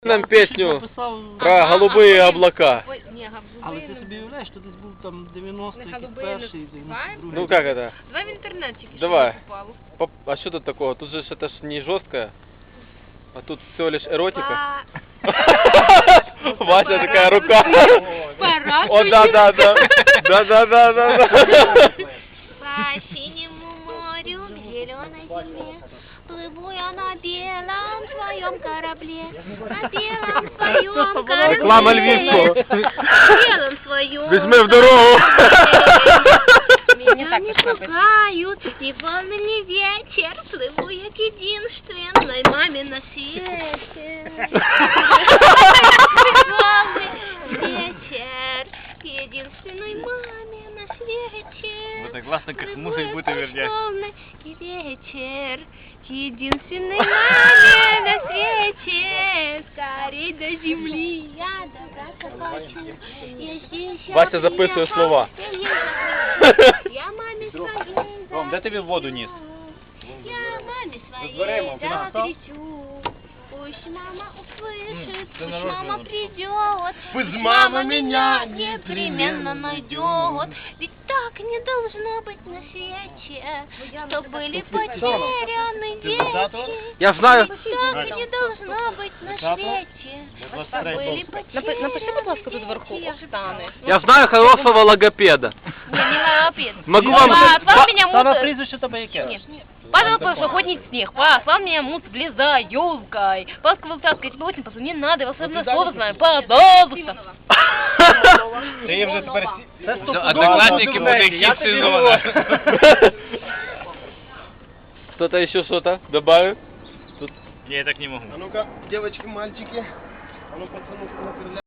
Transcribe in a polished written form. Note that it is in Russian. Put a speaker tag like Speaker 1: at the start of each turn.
Speaker 1: Нам песню про голубые облака.
Speaker 2: Але ти собі уявляєш, що десь був там 90-й, перший, 92-й.
Speaker 1: Ну как это?
Speaker 3: Давай в интернете.
Speaker 1: Давай. А что тут такого? Тут же это ж не жесткое, а тут всего лишь эротика. Вася такая рука. О, да. Да.
Speaker 3: По синему морю, к зеленой земле, плыву я на белом своем корабле, на белом своем корабле.
Speaker 1: Реклама Львівського.
Speaker 3: На белом своем
Speaker 1: Візьми в дорогу.
Speaker 3: Меня не пугают ни волны, ни ветер, плыву я к единственной маме на свете. Волны, ветер, к единственной маме на свете.
Speaker 4: Вот так классно, как музыка будет вернее.
Speaker 3: Волны и ветер, к единственной маме на свете. Скорей до земли я добраться хочу. Я здесь, я
Speaker 1: Вася записує слова.
Speaker 3: Я маме своей
Speaker 4: Ром, де тобі воду ніс?
Speaker 3: Я маме своей
Speaker 4: дверима, ти нагадав?
Speaker 3: закричу. Пусть мама услышит,
Speaker 4: ты
Speaker 3: пусть
Speaker 4: нарочно
Speaker 3: мама
Speaker 4: вот.
Speaker 3: придет.
Speaker 1: Пусть
Speaker 3: мама
Speaker 1: мама
Speaker 3: меня
Speaker 1: меня
Speaker 3: непременно найдет. Ведь так не должно быть на свете, что были потеряны дети.
Speaker 1: Я знаю.
Speaker 3: Так не должно быть на свете, что были потеряны.
Speaker 5: Напиши, будь ласка, тут вверху Оксани.
Speaker 1: Я знаю хорошего логопеда.
Speaker 3: Не лапид.
Speaker 1: Могу вам...
Speaker 5: Послал меня
Speaker 4: Саме
Speaker 5: мут...
Speaker 4: прізвище тебе яке?
Speaker 5: Нет. Падал прошлогодний снег, послал меня мут за елкой. Ласково таскать тебе очень позвони, не надо, я волшебное слово знаю, пожалуйста.
Speaker 4: Ти є вже тепер...
Speaker 1: Одноклассники
Speaker 4: буде
Speaker 1: сезона. Кто-то еще что-то добавит?
Speaker 4: Ні, я так не можу.
Speaker 6: А ну-ка, девочки, мальчики. А ну, пацаны,